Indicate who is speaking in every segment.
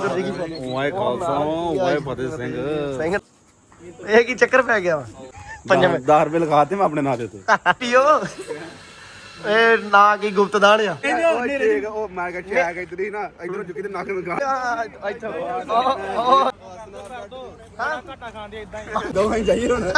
Speaker 1: ਵਾਹਿਗੁਰੂ ਜੀ ਕੀ ਫਤਿਹ।
Speaker 2: ਵਾਹਿ ਖਾਲਸਾ ਵਾਹਿ ਫਤਿਹ ਸਿੰਘ।
Speaker 1: ਇਹ ਕੀ ਚੱਕਰ ਪੈ ਗਿਆ ਵਾ?
Speaker 2: 10 ਰੁਪਏ ਲਗਾਤੇ ਮੈਂ ਆਪਣੇ ਨਾਂ ਦੇ ਉੱਤੇ।
Speaker 1: ਪੀਓ ਇਹ ਨਾ ਕੀ ਗੁਪਤਦਾਨ ਆ।
Speaker 2: ਉਹ ਮੈਂ ਕਿਹਾ ਚੈਕ ਇਧਰ ਹੀ ਨਾ ਇਧਰੋਂ ਚੁੱਕੀ ਤੇ ਨੱਕ ਲਗਾ
Speaker 1: ਘਾਟਾ ਖਾਂਦੇ ਇਦਾਂ ਹੀ
Speaker 2: ਦੋਵੇਂ ਜਾਈਏ ਹੁਣ।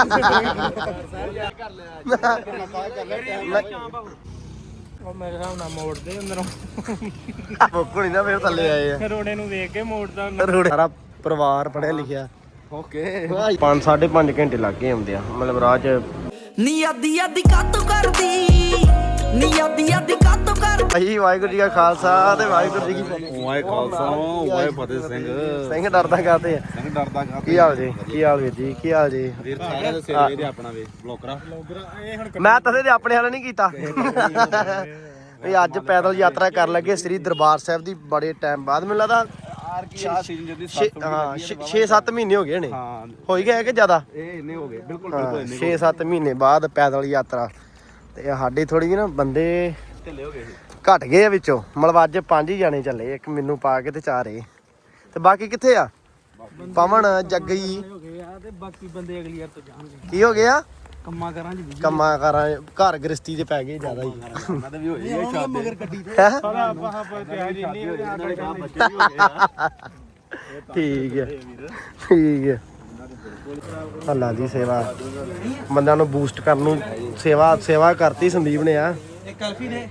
Speaker 1: ਉਹ ਮੇਰੇ ਹਿਸਾਬ ਨਾਲ ਮੋੜਦੇ ਅੰਦਰੋਂ
Speaker 3: ਕੋਣੀ ਨਾ ਫਿਰ ਥੱਲੇ ਆਏ ਆ
Speaker 1: ਰੋੜੇ ਨੂੰ ਵੇਖ ਕੇ ਮੋੜਦਾ
Speaker 3: ਸਾਰਾ ਪਰਿਵਾਰ ਪੜਿਆ ਲਿਖਿਆ।
Speaker 2: ਓਕੇ
Speaker 3: 5-5.5 ਘੰਟੇ ਲੱਗ ਗਏ ਹੁੰਦੇ ਆ ਮਤਲਬ ਰਾਹ ਚ।
Speaker 4: ਨੀ ਅੱਧੀ ਅੱਧੀ ਕਾਤੋਂ ਕਰਦੀ ਨੀ ਅੱਧੀ ਅੱਧੀ ਕਾਤੋਂ ਕਰਦੀ।
Speaker 3: ਭਾਈ ਵਾਹਿਗੁਰੂ ਜੀ ਕਾ ਖਾਲਸਾ ਤੇ ਵਾਹਿਗੁਰੂ ਜੀ ਕੀ ਫਤਿਹ।
Speaker 2: ਵਾਹਿ ਖਾਲਸਾ ਵਾਹਿ ਫਤਿਹ ਸਿੰਘ।
Speaker 3: ਸਿੰਘ ਡਰਦਾ ਕਾਤੇ ਆ?
Speaker 2: ਸਿੰਘ ਡਰਦਾ ਕਾ
Speaker 3: ਕੀ ਹਾਲ ਜੀ? ਕੀ ਹਾਲ ਵੀਰ ਜੀ? ਕੀ ਹਾਲ ਜੀ?
Speaker 2: ਵੀਰ ਸਾਰਿਆਂ ਦੇ ਸਿਰ ਇਹਦੇ ਆਪਣਾ ਵੇ ਬਲੋਕਰਾ।
Speaker 3: ਮੈਂ ਤਦੇ ਦੇ ਆਪਣੇ ਹਾਲ ਨਹੀਂ ਕੀਤਾ ਵੀ ਅੱਜ ਪੈਦਲ ਯਾਤਰਾ ਕਰਨ ਲੱਗੇ ਸ੍ਰੀ ਦਰਬਾਰ ਸਾਹਿਬ ਦੀ ਬੜੇ ਟਾਈਮ ਬਾਅਦ। ਮੈਨੂੰ ਲੱਗਦਾ
Speaker 2: ਸ਼ਾਹ ਸੀਜ਼ਨ ਜਦੀ
Speaker 3: 6-7 ਮਹੀਨੇ ਹੋ ਗਏ ਨੇ।
Speaker 2: ਹਾਂ
Speaker 3: ਹੋ ਹੀ ਗਏ ਕਿ ਜ਼ਿਆਦਾ?
Speaker 2: ਇਹ ਇੰਨੇ ਹੋ ਗਏ ਬਿਲਕੁਲ ਬਿਲਕੁਲ ਇੰਨੇ
Speaker 3: 6-7 ਮਹੀਨੇ ਬਾਅਦ ਪੈਦਲ ਯਾਤਰਾ। ਤੇ ਸਾਡੇ ਥੋੜੀ ਜਿਹੀ ਨਾ ਬੰਦੇ
Speaker 2: ਢਿੱਲੇ ਹੋ ਗਏ
Speaker 3: ਘਟ ਗਏ ਆ ਵਿੱਚੋਂ। ਮਤਲਬ ਅੱਜ 5 ਹੀ ਜਾਣੇ ਚੱਲੇ, ਇੱਕ ਮੈਨੂੰ ਪਾ ਕੇ ਤੇ 4 ਇਹ। ਤੇ ਬਾਕੀ ਕਿੱਥੇ ਆ? ਪਵਨ ਜੱਗੀ
Speaker 1: ਹੋ ਗਏ ਆ ਤੇ ਬਾਕੀ ਬੰਦੇ ਅਗਲੀ ਵਾਰ ਤੋਂ ਜਾਣਗੇ।
Speaker 3: ਕੀ ਹੋ ਗਿਆ?
Speaker 1: ਕੰਮਾਂ ਕਰਾਂ ਜੀ
Speaker 3: ਕੰਮਾਂ ਕਾਰਾਂ ਘਰ ਗ੍ਰਸਤੀ ਦੇ ਪੈ ਗਏ ਜ਼ਿਆਦਾ ਹੀ।
Speaker 2: ਉਹਨਾਂ ਦੇ ਵੀ ਹੋਈ ਹੈ ਸ਼ਾਦੀ
Speaker 1: ਮਗਰ ਗੱਡੀ ਤੇ
Speaker 3: ਹੈਂ?
Speaker 1: ਸਾਰਾ ਆਪਾਂ ਤਿਆਰੀ ਨਹੀਂ
Speaker 2: ਬੱਚੇ ਵੀ ਹੋ ਗਏ ਆ।
Speaker 3: ਠੀਕ ਹੈ ਠੀਕ ਹੈ। ਅੱਲਾ ਦੀ ਸੇਵਾ ਬੰਦਿਆਂ ਨੂੰ ਬੂਸਟ ਕਰਨ ਨੂੰ ਸੇਵਾ ਕਰਤੀ ਸੰਦੀਪ ਨੇ ਆ।
Speaker 1: ਇੱਕ ਅਲਫੀ ਨੇ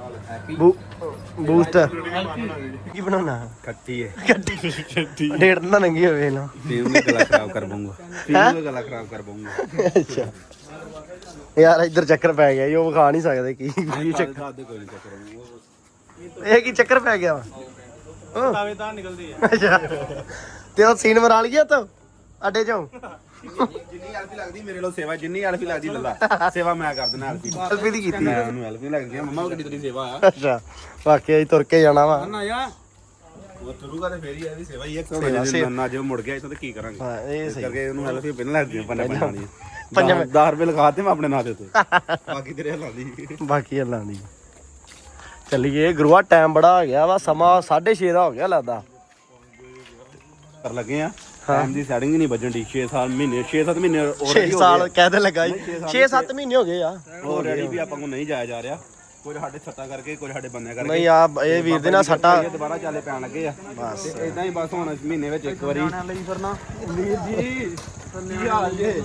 Speaker 3: ਬੂਸਟ ਕੀ ਬਣਾਉਣਾ?
Speaker 2: ਖੱਟੀ ਹੈ
Speaker 3: ਡੇਢ ਨਾ ਨੰਗੀ ਹੋਵੇ ਨਾ।
Speaker 2: ਟੀਮ ਨੇ ਗਲਾ ਖਰਾਬ ਕਰ ਦੂੰਗਾ। ਟੀਮ ਨੇ ਗਲਾ ਖਰਾਬ ਕਰ ਦੂੰਗਾ।
Speaker 3: ਅੱਛਾ ਯਾਰ ਇੱਧਰ ਚੱਕਰ ਪੈ ਗਿਆ ਜੀ, ਉਹ ਵਿਖਾ ਨਹੀਂ ਸਕਦੇ ਕੀ ਚੱਕਰ।
Speaker 2: ਦੱਸ ਦੇ ਕੋਈ ਨਹੀਂ ਚੱਕਰ।
Speaker 3: ਇਹ ਕੀ ਚੱਕਰ ਪੈ ਗਿਆ ਵਾ?
Speaker 1: ਤਾਵੇ ਤਾਂ ਨਿਕਲਦੇ ਆ।
Speaker 3: ਅੱਛਾ ਤੇ ਉਹ ਸੀਨ ਮਰਾ ਲਿਆ ਤੋ ਅੱਡੇ ਚੋਂ।
Speaker 2: ਜਿੰਨੀ ਐਲਫੀ ਲੱਗਦੀ ਮੇਰੇ ਲੋ ਸੇਵਾ, ਜਿੰਨੀ ਐਲਫੀ ਲੱਗਦੀ ਲੱਲਾ ਸੇਵਾ ਮੈਂ ਕਰ ਦਿੰਦਾ ਐਲਫੀ।
Speaker 3: ਐਲਫੀ ਦੀ ਕੀਤੀ
Speaker 2: ਮੈਂ ਉਹਨੂੰ ਐਲਫੀ ਲੱਗਦੀ ਆ ਮੰਮਾ ਕਿੱਡੀ ਤੇਰੀ ਸੇਵਾ ਆ।
Speaker 3: ਅੱਛਾ ਵਾਕਿਆ ਹੀ ਤੁਰ ਕੇ ਜਾਣਾ ਵਾ।
Speaker 1: ਨਾ ਯਾ
Speaker 2: ਉਹ ਤੁਰੂਗਾ ਤੇ ਫੇਰ ਹੀ ਇਹਦੀ ਸੇਵਾ ਹੀ ਹੈ। ਨਾ ਜੇ ਮੁੜ ਗਿਆ ਇਥੋਂ ਤੇ ਕੀ ਕਰਾਂਗੇ?
Speaker 3: ਹਾਂ ਇਹ
Speaker 2: ਇਸ
Speaker 3: ਸਹੀ।
Speaker 2: ਕਰਕੇ ਉਹਨੂੰ ਐਲਫੀ ਪਹਿਲਾਂ ਲੱਗਦੀ ਪੰਜ ਪਾਣੀ।
Speaker 3: 10
Speaker 2: ਰੁਪਏ ਲਗਾਤੇ ਮੈਂ ਆਪਣੇ ਨਾਂ ਦੇ ਉੱਤੇ। ਬਾਕੀ ਤੇਰੇ ਹੱਲਾਂ ਦੀ
Speaker 3: ਬਾਕੀ ਅੱਲਾਂ ਦੀ। ਚੱਲੀਏ ਗੁਰੂਆ ਟਾਈਮ ਬੜਾ ਹੋ ਗਿਆ ਵਾ, ਸਮਾਂ 6:30 ਦਾ ਹੋ ਗਿਆ ਲੱਗਦਾ।
Speaker 2: ਕਰ ਲੱਗੇ ਆ ਟਾਈਮ ਦੀ ਸੈਟਿੰਗ ਹੀ ਨਹੀਂ ਵੱਜਣ ਦੀ। 6-7 ਮਹੀਨੇ 6-7 ਮਹੀਨੇ
Speaker 3: 6 ਸਾਲ ਕਹਿਦੇ ਲੱਗਾ ਜੀ। 6-7 ਮਹੀਨੇ ਹੋ ਗਏ ਆ
Speaker 2: ਆਲਰੇਡੀ ਵੀ ਆਪਾਂ ਨੂੰ ਨਹੀਂ ਜਾਇਆ ਜਾ ਰਿਹਾ। ਕੁਝ ਸਾਡੇ ਛੱਤਾਂ ਕਰਕੇ, ਕੁਝ ਸਾਡੇ ਬੰਨਿਆਂ ਕਰਕੇ।
Speaker 3: ਨਹੀਂ ਆ ਇਹ ਵੀਰ ਦੇ ਨਾਲ ਸੱਟਾ
Speaker 2: ਦੁਬਾਰਾ ਚਾਲੇ ਪੈਣ ਲੱਗੇ ਆ ਬਸ ਇਦਾਂ ਹੀ। ਬਸ ਹੁਣ ਮਹੀਨੇ ਵਿੱਚ ਇੱਕ ਵਾਰੀ ਵੀਰ ਜੀ ਕੀ ਹਾਲ ਜੇ?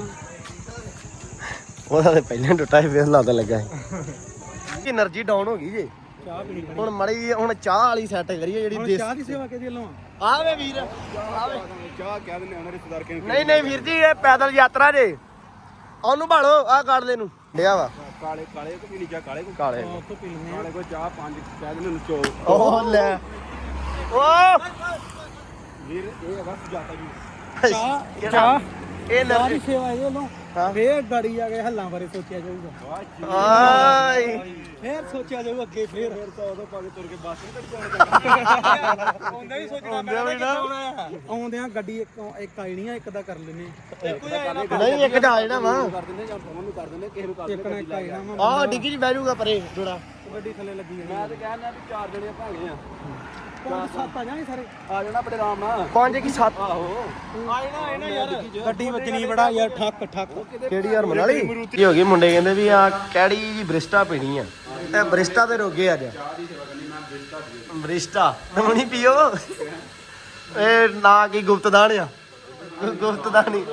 Speaker 3: ਉਹਦਾ ਤੇ ਪਹਿਲਾਂ ਟੁੱਟਾ ਸੀ, ਫੇਰ ਲੱਗਦਾ ਲੱਗਾ ਸੀ। એનર્ਜੀ ਡਾਊਨ ਹੋ ਗਈ ਜੇ।
Speaker 1: ਚਾਹ ਪੀਣੀ
Speaker 3: ਹੁਣ ਮੜੀ ਹੁਣ ਚਾਹ ਵਾਲੀ ਸੈੱਟ ਕਰੀਏ ਜਿਹੜੀ ਦੇਸੀ।
Speaker 1: ਚਾਹ ਦੀ ਸੇਵਾ ਕਿਹਦੀ ਲਵਾਂ?
Speaker 3: ਆਵੇ ਵੀਰ ਆਵੇ।
Speaker 2: ਚਾਹ ਕਹਿ ਦਿੰਦੇ ਉਹਨਾਂ ਰਿਸ਼ਤੇਦਾਰ ਕਿਹਨੂੰ।
Speaker 3: ਨਹੀਂ ਵੀਰ ਜੀ ਇਹ ਪੈਦਲ ਯਾਤਰਾ ਜੇ। ਉਹਨੂੰ ਭਾਲੋ ਆਹ ਕਾੜਲੇ ਨੂੰ ਡਿਆ ਵਾ।
Speaker 2: ਕਾਲੇ ਕਾਲੇ ਕੋ ਪੀਣੀ ਚਾਹ ਕਾਲੇ ਕੋ
Speaker 3: ਕਾਲੇ
Speaker 1: ਉੱਥੋਂ ਪੀ ਲੈਂਦੇ
Speaker 2: ਕਾਲੇ ਕੋ ਚਾਹ 5 ਕਹਿ ਦਿੰਦੇ ਨੂੰ ਚੋ।
Speaker 3: ਉਹ ਲੈ ਓ
Speaker 2: ਵੀਰ ਇਹ ਹੈਗਾ ਸੁਜਾਤਾ ਜੀ।
Speaker 1: ਚਾਹ
Speaker 3: ਇਹ
Speaker 1: ਚਾਹ
Speaker 3: એનર્ਜੀ
Speaker 1: ਦੀ ਸੇਵਾ ਇਹ ਲੋ।
Speaker 3: ਹਾਂ।
Speaker 1: ਫੇਰ ਗਾੜੀ ਜਾ ਕੇ ਹੱਲਾਂ ਬਾਰੇ ਸੋਚਿਆ ਜਾਊਗਾ।
Speaker 3: ਆਈ
Speaker 1: ਫੇਰ ਸੋਚਿਆ ਜਾਊ ਅੱਗੇ ਫੇਰ
Speaker 2: ਤਾਂ ਉਦੋਂ ਪਾ ਕੇ ਤੁਰ ਕੇ ਬੱਸ ਨਹੀਂ ਜਾਣਾ।
Speaker 1: ਆਉਂਦਾ ਹੀ ਸੋਚਣਾ ਪੈਣਾ। ਆਉਂਦਿਆਂ ਗੱਡੀ ਇੱਕ ਆਈ ਨਹੀਂ ਆ, ਇੱਕ ਦਾ ਕਰ ਲੈਨੇ।
Speaker 3: ਨਹੀਂ ਇੱਕ ਜਾ ਜਿਹੜਾ ਵਾ
Speaker 2: ਕਰ ਦਿੰਦੇ ਜਾਂ ਫੋਨ ਨੂੰ ਕਰ ਦਿੰਦੇ ਕਿਸੇ ਨੂੰ ਕਰ
Speaker 1: ਇੱਕ ਨਾ ਇੱਕ ਆਈ ਨਾ ਵਾ।
Speaker 3: ਆਹ ਡਿੱਗੀ 'ਚ ਬਹਿ ਜਾਊਗਾ ਪਰੇ ਥੋੜਾ।
Speaker 1: ਗੱਡੀ ਥੱਲੇ ਲੱਗੀ
Speaker 2: ਮੈਂ ਤੇ ਕਹਿੰਦਾ ਵੀ 4 ਜਣੇ ਭਾਗੇ ਆ।
Speaker 1: 5-7 ਆ ਜਾਣੇ ਸਾਰੇ।
Speaker 2: ਆ ਜਾਣਾ ਬੜੇ ਆਰਾਮ ਨਾਲ।
Speaker 3: 5 ਕੀ 7
Speaker 2: ਆਹੋ
Speaker 1: ਆਏ ਨਾ ਯਾਰ ਗੱਡੀ ਵੱਜਣੀ ਬੜਾ ਯਾਰ ਠੱਕ ਠੱਕ।
Speaker 3: ਕਿਹੜੀ ਹਰਮਨ ਵਾਲੀ ਕੀ ਹੋ ਗਈ? ਮੁੰਡੇ ਕਹਿੰਦੇ ਵੀ ਆ ਕਿਹੜੀ ਜੀ ਬ੍ਰਿਸਟਾ ਪੀਣੀ ਆ। ਇਹ ਬ੍ਰਿਸਟਾ ਤੇ ਰੋਗੇ ਅੱਜ। ਬ੍ਰਿਸਟਾ ਹੁਣੀ ਪੀਓ। ਇਹ ਨਾ ਕੀ ਗੁਪਤਦਾਨ ਆ? ਗੁਪਤਦਾਨ ਹੀ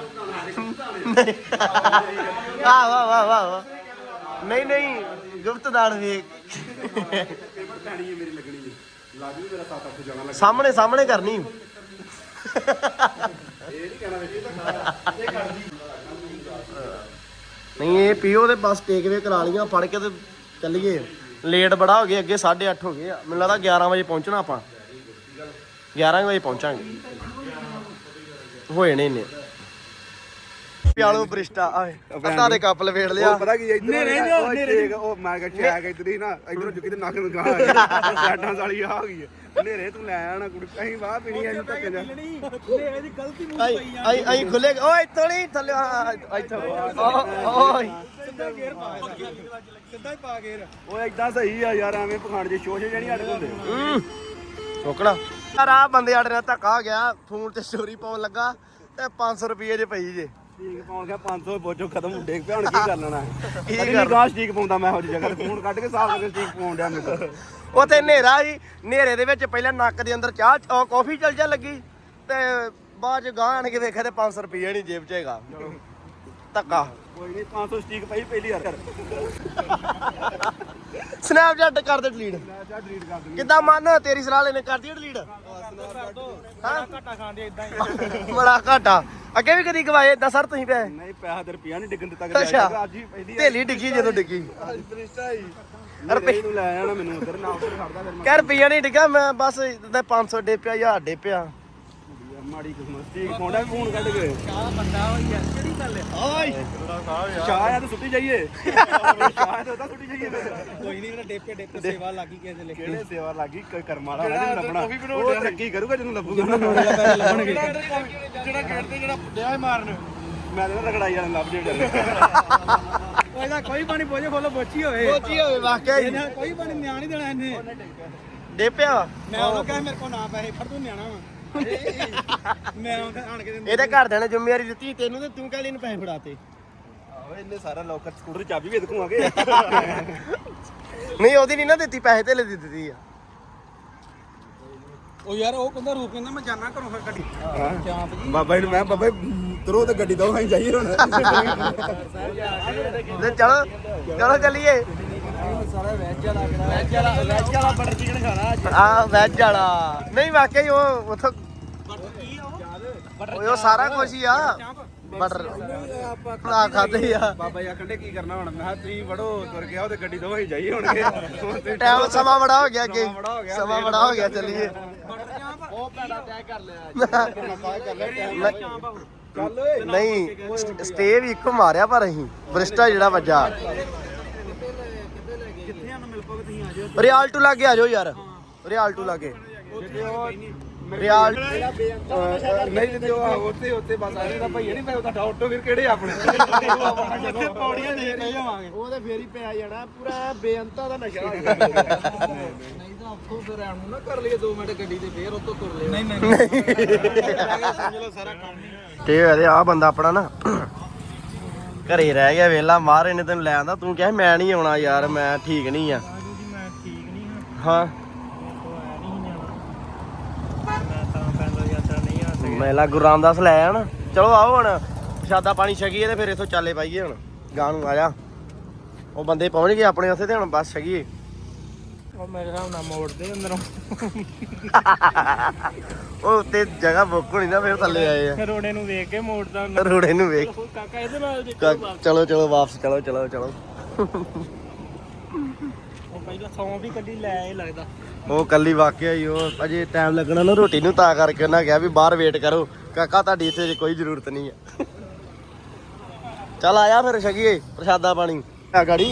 Speaker 3: ਵਾਹ ਵਾਹ ਵਾਹ ਵਾਹ। ਨਹੀਂ ਗੁਪਤਦਾਨ ਵੀ ਸਾਹਮਣੇ ਕਰਨੀ। ਨਹੀਂ ਇਹ ਪੀਓ ਤੇ ਬਸ ਟੇਕਵੇ ਕਰਾ ਲੀਆਂ ਫੜ ਕੇ ਤੇ ਚੱਲੀਏ। ਲੇਟ ਬੜਾ ਹੋ ਗਿਆ, ਅੱਗੇ 8:30 ਹੋ ਗਏ ਆ। ਮੈਨੂੰ ਲੱਗਦਾ 11 ਵਜੇ ਪਹੁੰਚਣਾ ਆਪਾਂ। 11 ਵਜੇ ਪਹੁੰਚਾਂਗੇ। ਹੋਏ ਨੇ ਇੰਨੇ ਪਿਆਲੋ ਬ੍ਰਿਸਟਾ ਆਏ ਅੱਧਾ ਦੇ ਕੱਪ ਲਵੇੜ ਲਿਆ।
Speaker 2: ਪਤਾ ਕੀ ਇਧਰ ਉਹ ਮੈਂ ਕਿਹਾ ਚੈਕ ਇਧਰ ਹੀ ਨਾ ਇਧਰੋਂ ਚੁੱਕੀ ਤੇ ਨੱਕ ਲਗਾ ਸਾਡਾਂ ਵਾਲੀ ਆ ਗਈ ਹਨੇਰੇ ਤੂੰ ਲੈ ਆਣਾ ਕੁੜੀ। ਅਸੀਂ ਵਾਹ ਪੀਣੀ ਐ ਧੱਕੇ ਜਾ।
Speaker 1: ਇਹਦੀ ਗਲਤੀ ਮੂੰਹ ਪਈ ਆ।
Speaker 3: ਆਈ ਖੁੱਲੇ ਓਏ ਇੱਥੋਂ ਨਹੀਂ ਥੱਲੇ ਇੱਥੋਂ ਓਏ
Speaker 1: ਸਿੱਧਾ ਗੇਅਰ ਪਾ ਸਿੱਧਾ ਹੀ ਪਾ ਗੇਅਰ।
Speaker 2: ਓਏ ਇਦਾਂ ਸਹੀ ਆ ਯਾਰ, ਐਵੇਂ ਪਖਾਣ ਜੇ ਸ਼ੋਸ਼ੇ ਜਿਹੜੀ ਅੜਕ ਹੁੰਦੇ।
Speaker 3: ਰੋਕਣਾ ਯਾਰ ਆ ਬੰਦੇ ਆੜੇ ਨਾਲ ਧੱਕਾ ਹੋ ਗਿਆ ਫੋਨ ਤੇ ਸਟੋਰੀ ਪਾਉਣ ਲੱਗਾ ਤੇ 500 ਰੁਪਏ ਜੇ ਪਈ ਜੇ
Speaker 2: ਸਟੀਕ ਪਾਉਣ ਗਿਆ 500 ਬੋਝੋ ਖਤਮ ਡੇਗ ਪਿਆ ਹੁਣ ਕੀ ਕਰ ਲੈਣਾ ਕਦੀ ਨਹੀਂ ਗਾਂ ਸਟੀਕ ਪਾਉਂਦਾ ਮੈਂ ਉਹ ਜਗ੍ਹਾ ਤੇ ਫੋਨ ਕੱਢ ਕੇ ਸਾਫ ਕਰਕੇ ਸਟੀਕ ਪਾਉਣ ਡਿਆ ਮੈਨੂੰ
Speaker 3: ਉੱਥੇ ਹਨੇਰਾ ਸੀ ਹਨੇਰੇ ਦੇ ਵਿੱਚ ਪਹਿਲਾਂ ਨੱਕ ਦੇ ਅੰਦਰ ਚਾਹ ਕਾਫੀ ਚੱਲ ਜਾ ਲੱਗੀ ਤੇ ਬਾਅਦ ਚ ਗਾਂ ਆਣ ਕੇ ਵੇਖਿਆ ਤੇ 500 ਰੁਪਏ ਨਹੀਂ ਜੇਬ 'ਚ ਹੈਗਾ ਧੱਕਾ
Speaker 2: ਕੋਈ ਨਹੀਂ 500 ਸਟੀਕ ਪਈ ਪਹਿਲੀ ਵਾਰ
Speaker 3: ਸਨੈਪਚੈਟ ਕਰ ਦੇ ਡਿਲੀਟ
Speaker 2: ਜਾ ਡਿਲੀਟ ਕਰ ਦੂੰਗੀ
Speaker 3: ਕਿੱਦਾਂ ਮਨ ਤੇਰੀ ਸਲਾਹ ਲੈਨੇ ਕਰਦੀ ਡਿਲੀਟ
Speaker 1: ਘਾਟਾ ਖਾਂਦੇ ਇਦਾਂ ਹੀ
Speaker 3: ਬੜਾ ਘਾਟਾ ਅੱਗੇ ਵੀ ਕਦੀ ਗਵਾਏ ਏਦਾਂ ਸਰ ਤੁਸੀਂ ਪੈ
Speaker 2: ਨਹੀਂ ਪੈਸਾ ਤੇ ਰੁਪਿਆ ਨਹੀਂ ਡਿੱਗਣ ਦਿੱਤਾ
Speaker 3: ਅੱਛਾ
Speaker 2: ਅੱਜ ਹੀ ਪਹਿਲੀ
Speaker 3: ਢੇਲੀ ਡਿੱਗੀ ਜਦੋਂ ਡਿੱਗੀ
Speaker 2: ਫਰਿਸ਼ਤਾ ਹੀ ਰੁਪਏ ਨੂੰ ਲੈ ਆਣਾ ਮੈਨੂੰ ਉਧਰ ਨਾ ਉੱਧਰ ਖੜਦਾ ਫਿਰ
Speaker 3: ਕਹਿ ਰੁਪਈਆ ਨਹੀਂ ਡਿੱਗਾ ਮੈਂ ਬਸ 500 ਡੇਪਿਆ 1000 ਡੇਪਿਆ
Speaker 2: ਮਾੜੀ ਕਿਸਮਤ ਸਟੀਕ ਪਾਉਂਦਾ ਫੋਨ ਕੱਢ ਕੇ
Speaker 1: ਚਾਹ ਬੰਦਾ ਹੋਈ ਯਾਰ ਕਿਹੜੀ ਗੱਲ ਹੈ
Speaker 3: ਓਏ
Speaker 2: ਸ਼ਾਹ ਆ ਤਾਂ ਸੁੱਟੀ ਜਾਈਏ ਸ਼ਾਹ ਤੇ ਉਹਦਾ ਸੁੱਟੀ ਜਾਈਏ
Speaker 1: ਕੋਈ ਨਹੀਂ ਡੇਪੇ ਸੇਵਾ ਲੱਗੀ ਕਿਸੇ ਦੇ ਲਿਖ
Speaker 2: ਕਿਹੜੇ ਸੇਵਾ ਲੱਗੀ ਕੋਈ ਕਰਮ ਵਾਲਾ ਨਹੀਂ ਲੱਭਣਾ ਉਹ ਤਰੱਕੀ ਕਰੂਗਾ ਜਿਹਨੂੰ ਲੱਭੂਗਾ ਨਾ
Speaker 1: ਲੱਭਣਗੇ
Speaker 3: ਜਿਹੜਾ ਖੇਡਦੇ ਜਿਹੜਾ ਡਿਆ ਮਾਰਨ
Speaker 2: ਮੈਂ ਤਾਂ ਰਗੜਾਈ ਵਾਲਾ ਲੱਭ ਜੇ
Speaker 1: ਉਹਦਾ ਕੋਈ ਪਾਣੀ ਪੋਜੇ ਖੋਲੋ ਬੋਚੀ ਹੋਵੇ
Speaker 3: ਸੋਚੀ ਹੋਵੇ ਵਾਕਿਆ ਹੀ
Speaker 1: ਇਹਨੇ ਕੋਈ ਪਾਣੀ ਨਿਆਣ ਨਹੀਂ ਦੇਣਾ ਇਹਨੇ
Speaker 3: ਡੇਪਿਆ
Speaker 1: ਮੈਂ ਉਹਨੂੰ ਕਿਹਾ ਮੇਰੇ ਕੋਲ ਨਾ ਪੈਸੇ ਫੜ ਤੂੰ ਨਿਆਣਾ ਵਾ ਮੈਂ ਉਹਦੇ ਆਣ ਕੇ
Speaker 3: ਇਹਦੇ ਘਰਦਿਆਂ ਨੇ ਜ਼ਿੰਮੇਵਾਰੀ ਦਿੱਤੀ ਤੈਨੂੰ ਤੇ ਤੂੰ ਕਾਹਲੀ ਨੂੰ ਪੈਸੇ ਫੜਾਤੇ
Speaker 2: ਆਹੋ ਇਹਨੇ ਸਾਰਾ ਲੋਕਰ ਸਕੂਟਰ ਦੀ ਚਾਬੀ ਵੀ ਦੇਖੂਗੇ
Speaker 3: ਨਹੀਂ ਉਹਦੀ ਨਹੀਂ ਨਾ ਦਿੱਤੀ ਪੈਸੇ ਤੇ ਲੈ ਦਿੱਤੀ ਆ
Speaker 1: ਉਹ ਯਾਰ ਉਹ ਕਹਿੰਦਾ ਰੂਪ ਕਹਿੰਦਾ ਮੈਂ ਜਾਣਾ ਘਰੋਂ ਫਿਰ ਗੱਡੀ ਚਾਂਪ ਜੀ
Speaker 2: ਬਾਬਾ ਜੀ ਮੈਂ ਬਾਬਾ ਤਰੋ ਤੇ ਗੱਡੀ ਦੋ ਅਸੀਂ ਜਾਈਏ ਹੁਣ
Speaker 3: ਤੇ ਚਲੋ ਚਲੋ ਚੱਲੀਏ
Speaker 1: ਸਾਰਾ ਵੈਜ ਵਾਲਾ ਬਟਰ ਚਿਕਨ ਖਾਣਾ ਅੱਜ
Speaker 3: ਆ ਵੈਜ ਵਾਲਾ ਨਹੀਂ ਵਾਕਿਆ ਹੀ ਉਹ ਉਥੋਂ
Speaker 1: ਕੀ ਆ
Speaker 3: ਉਹ ਸਾਰਾ ਕੁਝ ਹੀ ਆ ਬਟਰ ਆ ਖਾਦੇ ਆ
Speaker 2: ਬਾਬਾ ਜੀ ਆਖੰਡੇ ਕੀ ਕਰਨਾ ਹੁਣ ਮੈਂ ਕਿਹਾ ਤੁਸੀਂ ਵੜੋ ਤੁਰ ਗਿਆ ਉਹ ਤੇ ਗੱਡੀ ਦੋ ਅਸੀਂ ਜਾਈਏ ਹੁਣ
Speaker 3: ਟਾਈਮ ਸਮਾਂ ਬੜਾ ਹੋ ਗਿਆ ਅੱਗੇ
Speaker 2: ਸਮਾਂ ਬੜਾ ਹੋ ਗਿਆ।
Speaker 3: ਸਮਾਂ ਬੜਾ ਹੋ ਗਿਆ ਚੱਲੀਏ
Speaker 2: ਉਹ ਪੈੜਾ ਤੈਅ ਕਰ ਲਿਆ ਚੱਲ ਓਏ
Speaker 3: ਨਹੀਂ ਸਟੇ ਵੀ ਇੱਕੋ ਮਾਰਿਆ ਪਰ ਅਸੀਂ ਬ੍ਰਿਸਟਾ ਜਿਹੜਾ ਵੱਜਾ
Speaker 1: ਕਿੱਥੇ ਆ ਮਿਲ ਪੋਗੇ ਤੁਸੀਂ ਆ ਜਾਓ
Speaker 3: ਰਿਆਲ ਟੂ ਲਾਗੇ ਆ ਜਾਓ ਯਾਰ ਰਿਆਲ ਟੂ ਲਾਗੇ ਰਿਆਲ
Speaker 2: ਨਹੀਂ ਜਿੱਦੇ ਉਹ ਉੱਤੇ ਬਸ ਆਲੇ ਦਾ ਭਈਆ ਨਹੀਂ ਮੈਂ ਉਹਦਾ ਆਟੋ ਫਿਰ ਕਿਹੜੇ ਆਪਣੇ
Speaker 1: ਜਿੱਥੇ ਪੌੜੀਆਂ ਦੇ ਰਹੇ ਜਾਵਾਂਗੇ
Speaker 3: ਉਹ ਤੇ ਫੇਰ ਹੀ ਪਿਆ ਜਾਣਾ ਪੂਰਾ ਬੇਅੰਤਾ ਦਾ ਨਸ਼ਾ
Speaker 1: ਨਹੀਂ ਤਾਂ ਆਪਕੋ ਫਿਰ ਆਣ ਨੂੰ ਨਾ ਕਰ ਲਈਏ 2 ਮਿੰਟ ਗੱਡੀ ਤੇ ਫੇਰ ਉੱਤੋਂ ਤੁਰ ਲਿਓ ਨਹੀਂ ਸਮਝ ਲਓ ਸਾਰਾ ਕੰਮ ਹੀ
Speaker 3: ਤੇ ਅਰੇ ਆ ਬੰਦਾ ਆਪਣਾ ਨਾ ਘਰੇ ਰਹਿ ਗਿਆ ਵੇਲਾ ਮਾਰੇ ਨੇ ਤੈਨੂੰ ਲੈ ਆਂਦਾ ਤੂੰ ਕਿਹਾ ਮੈਂ ਨਹੀਂ ਆਉਣਾ ਯਾਰ ਮੈਂ ਠੀਕ ਨਹੀਂ ਆ
Speaker 1: ਮੈਂ ਠੀਕ ਨਹੀਂ
Speaker 3: ਹਾਂ ਮੇਲਾ ਗੁਰੂ ਰਾਮਦਾਸ ਲੈ ਆਣ ਚਲੋ ਆਓ ਹੁਣ ਪ੍ਰਸ਼ਾਦਾ ਪਾਣੀ ਛਕੀਏ ਤੇ ਫਿਰ ਇਥੋਂ ਚਾਲੇ ਪਾਈਏ ਹੁਣ ਗਾਂ ਨੂੰ ਆ ਜਾ ਉਹ ਬੰਦੇ ਪਹੁੰਚ ਗਏ ਆਪਣੇ ਉੱਥੇ ਤੇ ਹੁਣ ਬਸ ਛਕੀਏ
Speaker 1: ਉਹ ਮੇਰੇ ਹਿਸਾਬ ਨਾਲ ਮੋੜਦੇ ਅੰਦਰੋਂ
Speaker 3: ਉਹ ਉੱਤੇ ਜਗ੍ਹਾ ਬੁੱਕ ਹੋਣੀ ਨਾ ਫਿਰ ਥੱਲੇ ਆਏ ਆ
Speaker 1: ਰੋੜੇ ਨੂੰ ਵੇਖ ਕੇ ਮੋੜਦਾ
Speaker 3: ਰੋੜੇ ਨੂੰ ਵੇਖ
Speaker 1: ਕਾਕਾ ਇਹਦੇ ਨਾਲ
Speaker 3: ਚਲੋ ਚਲੋ ਵਾਪਸ ਚਲੋ ਚਲੋ ਚਲੋ
Speaker 1: ਉਹ ਪਹਿਲਾਂ ਸੌਂ ਵੀ ਕੱਢੀ ਲੈ ਆਏ ਲੱਗਦਾ
Speaker 3: ਉਹ ਕੱਲੀ ਵਾਕਿਆ ਹੀ ਉਹ ਅਜੇ ਟਾਈਮ ਲੱਗਣਾ ਨਾ ਰੋਟੀ ਨੂੰ ਤਾਂ ਕਰਕੇ ਉਹਨਾਂ ਕਿਹਾ ਵੀ ਬਾਹਰ ਵੇਟ ਕਰੋ ਕਾਕਾ ਤੁਹਾਡੀ ਇੱਥੇ ਕੋਈ ਜ਼ਰੂਰਤ ਨਹੀਂ ਹੈ ਚੱਲ ਆਇਆ ਫਿਰ ਛਕੀਏ ਪ੍ਰਸ਼ਾਦਾ ਪਾਣੀ ਆ ਗਾੜੀ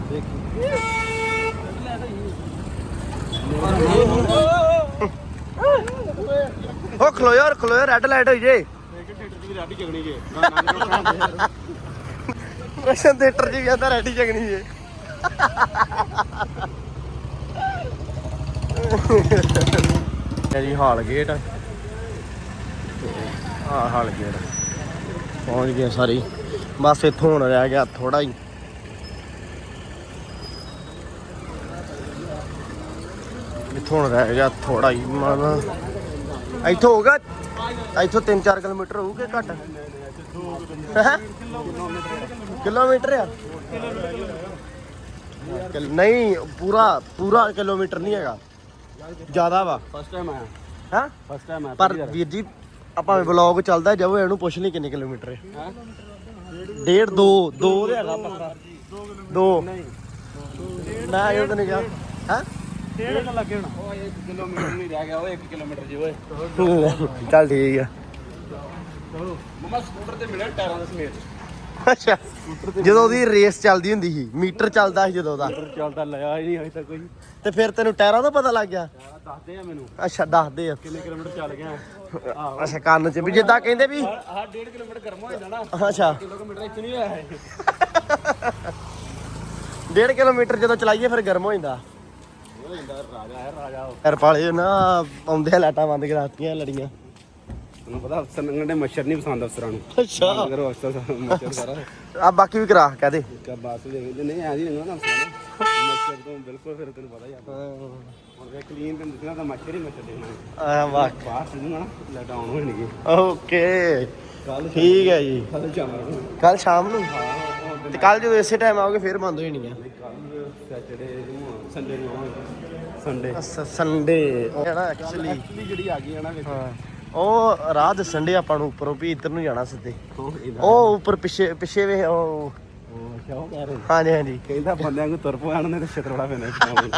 Speaker 3: ਉਹ ਖਲੋਇਓ ਰੈੱਡ ਲਾਈਟ ਹੋਈ ਜੇ ਪ੍ਰਸ਼ਨ ਥੀਏਟਰ 'ਚ ਵੀ ਆਂਦਾ ਰੈਡੀ ਜਗਣੀ ਜੇ ਜੀ ਹਾਲ ਗੇਟ ਹਾਲ ਗੇਟ ਪਹੁੰਚ ਗਏ ਸਾਰੀ ਬਸ ਇੱਥੋਂ ਹੁਣ ਰਹਿ ਗਿਆ ਥੋੜਾ ਹੀ ਇੱਥੋਂ ਹੁਣ ਰਹਿ ਗਿਆ ਥੋੜਾ ਹੀ ਮਨ ਇੱਥੋਂ ਹੋਗਾ ਇੱਥੋਂ 3-4 ਕਿਲੋਮੀਟਰ ਹੋਊਗੇ ਘੱਟ ਕਿਲੋਮੀਟਰ ਆ ਨਹੀਂ ਪੂਰਾ ਕਿਲੋਮੀਟਰ ਨਹੀਂ ਹੈਗਾ ਜ਼ਿਆਦਾ ਵਾ
Speaker 2: ਫਸਟ ਟਾਈਮ ਆਇਆ
Speaker 3: ਹਾਂ
Speaker 2: ਫਸਟ ਟਾਈਮ ਆਇਆ
Speaker 3: ਪਰ ਵੀਰ ਜੀ ਆਪਾਂ ਵਲੌਗ ਚੱਲਦਾ ਜਾਓ ਇਹਨੂੰ ਪੁੱਛ ਲਈ ਕਿੰਨੇ ਕਿਲੋਮੀਟਰ ਹੈ 1.5 2 ਦੇ ਹੈਗਾ ਪੱਕਾ 2 ਮੈਂ ਇਹ ਤਾਂ ਨਹੀਂ ਗਿਆ ਹਾਂ
Speaker 1: 1.5 ਲੱਗੇ ਹੁਣ
Speaker 2: ਉਹ 1 ਕਿਲੋਮੀਟਰ ਨਹੀਂ ਰਹਿ ਗਿਆ ਉਹ 1 ਕਿਲੋਮੀਟਰ ਜੀ ਓਏ
Speaker 3: ਚੱਲ ਠੀਕ ਆ
Speaker 2: ਮਮਾ ਸਕੂਟਰ ਤੇ ਮਿਲਿਆ ਟਾਇਰਾਂ ਦੇ ਸਮੇਤ
Speaker 3: ਅੱਛਾ ਜਦੋਂ ਉਹਦੀ ਰੇਸ ਚੱਲਦੀ ਹੁੰਦੀ ਸੀ ਮੀਟਰ ਚੱਲਦਾ ਸੀ ਜਦੋਂ ਦਾ
Speaker 2: ਚੱਲਦਾ ਲਿਆ ਹੀ ਨਹੀਂ ਅਜੇ ਤੱਕ ਕੋਈ
Speaker 3: ਤੇ ਫਿਰ ਤੈਨੂੰ ਟਾਇਰਾਂ ਦਾ ਪਤਾ ਲੱਗ ਗਿਆ
Speaker 2: ਦੱਸਦੇ ਆ ਮੈਨੂੰ
Speaker 3: ਅੱਛਾ ਦੱਸਦੇ ਆ
Speaker 2: ਕਿੰਨੇ ਕਿਲੋਮੀਟਰ ਚੱਲ ਗਿਆ
Speaker 3: ਅੱਛਾ ਕੰਨ 'ਚ ਵੀ ਜਿੱਦਾਂ ਕਹਿੰਦੇ ਵੀ
Speaker 2: ਆਹ 1.5 ਕਿਲੋਮੀਟਰ ਗਰਮ ਹੋ ਜਾਂਦਾ ਨਾ
Speaker 3: ਅੱਛਾ
Speaker 2: ਕਿਲੋਮੀਟਰ ਇੱਥੇ ਨਹੀਂ ਹੋਇਆ
Speaker 3: 1.5 ਕਿਲੋਮੀਟਰ ਜਦੋਂ ਚਲਾਈਏ ਫਿਰ ਗਰਮ ਹੋ ਜਾਂਦਾ ਯਾਰ ਪਾਲੇ ਨਾ ਆਉਂਦੇ ਆ ਲਾਟਾਂ ਬੰਦ ਕਰਾਤੀਆਂ ਲੜੀਆਂ।
Speaker 2: ਤੈਨੂੰ ਪਤਾ ਅਫਸਰ ਨੰਗਣ ਦੇ ਮੱਛਰ ਨਹੀਂ ਪਸੰਦ ਅਫਸਰਾਂ ਨੂੰ।
Speaker 3: ਅੱਛਾ
Speaker 2: ਬੰਦ ਕਰੋ ਅਫਸਰ ਮੱਛਰ ਸਾਰਾ।
Speaker 3: ਆ ਬਾਕੀ ਵੀ ਕਰਾ ਕਹਦੇ
Speaker 2: ਕਿਆ ਬਾਤ ਦੇਖਦੇ ਨਹੀਂ ਐਂ ਨਹੀਂ ਲੰਘਣਾ ਅਫਸਰਾਂ ਨੇ ਮੱਛਰ ਤੋਂ ਬਿਲਕੁਲ। ਫਿਰ ਤੈਨੂੰ ਪਤਾ ਯਾਰ ਹੁਣ ਵੇ ਕਲੀਨ ਤੈਨੂੰ ਦਿਖਣਾ ਤਾਂ ਮੱਛਰ ਹੀ ਮੱਛਰ ਦੇਖਣਾ।
Speaker 3: ਆ ਵਾਹ
Speaker 2: ਬਾਹਰ ਸਿੱਧੂਗਾ ਨਾ ਲਾਈਟ ਆਨ ਹੋਣਗੇ
Speaker 3: ਓਕੇ ਠੀਕ ਹੈ ਜੀ।
Speaker 2: ਕੱਲ ਜਾਵਾਂਗੇ।
Speaker 3: ਕੱਲ ਸ਼ਾਮ ਨੂੰ
Speaker 2: ਹਾਂ
Speaker 3: ਤੇ ਕੱਲ ਜਦੋਂ ਇਸੇ ਟਾਈਮ ਆਓਗੇ ਫਿਰ ਬੰਦ ਹੋ ਜਾਣੀਆਂ।
Speaker 2: ਕੱਲ ਸੈਟਰਡੇ ਨੂੰ ਸੰਡੇ ਨੂੰ ਆਵਾਂਗੇ। ਸੰਡੇ
Speaker 3: ਸੰਡੇ ਹੈ ਨਾ ਐਕਚੁਅਲੀ
Speaker 2: ਜਿਹੜੀ ਆ ਗਈ ਆ ਨਾ ਵਿੱਚ
Speaker 3: ਹਾਂ ਉਹ ਰਾਹ ਦੱਸਣ ਦੇ ਆਪਾਂ ਨੂੰ ਉੱਪਰੋਂ ਵੀ ਇੱਧਰ ਨੂੰ ਜਾਣਾ ਸਿੱਧੇ। ਉਹ ਉੱਪਰ ਪਿੱਛੇ ਪਿੱਛੇ ਵੇ ਉਹ
Speaker 2: ਕਿਉਂ ਕਹਿ ਰਹੇ
Speaker 3: ਹਾਂਜੀ ਹਾਂਜੀ
Speaker 2: ਕਹਿੰਦਾ ਬੰਦਿਆਂ ਨੂੰ ਤੁਰ ਪਾਣ ਨੇ ਤੇ ਛਤਰੜਾ ਪੈਣਾ।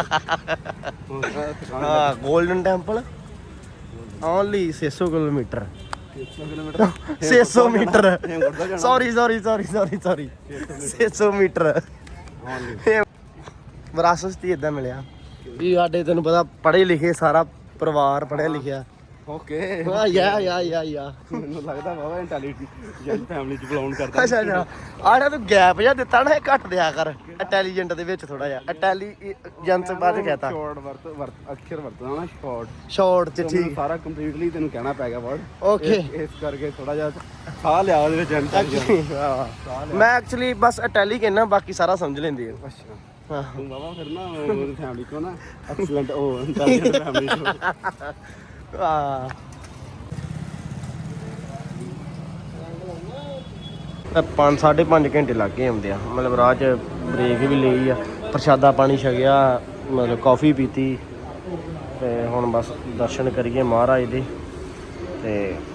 Speaker 3: ਹਾਂ Golden Temple only 600 kilometre 600 metre sorry 600 metre ਵਿਰਾਸਤ ਹੀ ਇਦਾਂ ਮਿਲਿਆ ਵੀ ਸਾਡੇ ਤੈਨੂੰ ਪਤਾ ਪੜ੍ਹੇ ਲਿਖੇ ਸਾਰਾ ਪਰਿਵਾਰ ਪੜ੍ਹਿਆ ਲਿਖਿਆ।
Speaker 2: ਓਕੇ
Speaker 3: ਯਾ
Speaker 2: ਮੈਨੂੰ ਲੱਗਦਾ ਬਾਬਾ ਇੰਟੈਲੀਜੈਂਟ ਫੈਮਿਲੀ ਚ ਬਿਲੋਂਗ ਕਰਦਾ।
Speaker 3: ਅੱਛਾ ਆੜਾ ਤੂੰ ਗੈਪ ਜਿਹਾ ਦਿੱਤਾ ਨਾ ਇਹ ਘੱਟ ਦਿਆ ਕਰ ਇੰਟੈਲੀਜੈਂਟ ਦੇ ਵਿੱਚ ਥੋੜਾ ਜਿਹਾ ਇੰਟੈਲੀਜੈਂਸ ਬਾਅਦ ਕਹਤਾ
Speaker 2: ਸ਼ਾਰਟ ਅਕਸ਼ਰ ਵਰਤਣਾ ਨਾ
Speaker 3: ਸ਼ਾਰਟ ਚ ਠੀਕ
Speaker 2: ਸਾਰਾ ਕੰਪਲੀਟਲੀ ਤੈਨੂੰ ਕਹਿਣਾ ਪੈ ਗਿਆ ਵਰਡ।
Speaker 3: ਓਕੇ
Speaker 2: ਇਸ ਕਰਕੇ ਥੋੜਾ ਜਿਹਾ ਸਾਹ ਲਿਆ ਉਹਦੇ ਵਿੱਚ ਇੰਟੈਲੀਜੈਂਟ।
Speaker 3: ਮੈਂ ਐਕਚੁਅਲੀ ਬਸ ਇਟੈਲੀ ਕਹਿਣਾ ਬਾਕੀ ਸਾਰਾ ਸਮਝ ਲੈਂਦੀ ਹੈ।
Speaker 2: ਅੱਛਾ
Speaker 3: ਹਾਂ
Speaker 2: ਤੂੰ ਬਾਬਾ ਫਿਰ ਨਾ ਉਹਦੀ ਫੈਮਿਲੀ ਕੋ ਨਾ ਐਕਸਲੈਂਟ ਉਹ ਇੰਟੈਲੀਜੈਂਟ ਫੈਮਿਲੀ ਚ
Speaker 3: ਆ 5.5 ਘੰਟੇ ਲੱਗ ਗਏ ਆਉਂਦੇ ਆ ਮਤਲਬ ਰਾਹ 'ਚ ਬ੍ਰੇਕ ਵੀ ਲਈ ਆ ਪ੍ਰਸ਼ਾਦਾ ਪਾਣੀ ਛਕਿਆ ਮਤਲਬ ਕੌਫੀ ਪੀਤੀ ਤੇ ਹੁਣ ਬਸ ਦਰਸ਼ਨ ਕਰੀਏ ਮਹਾਰਾਜ ਦੇ ਤੇ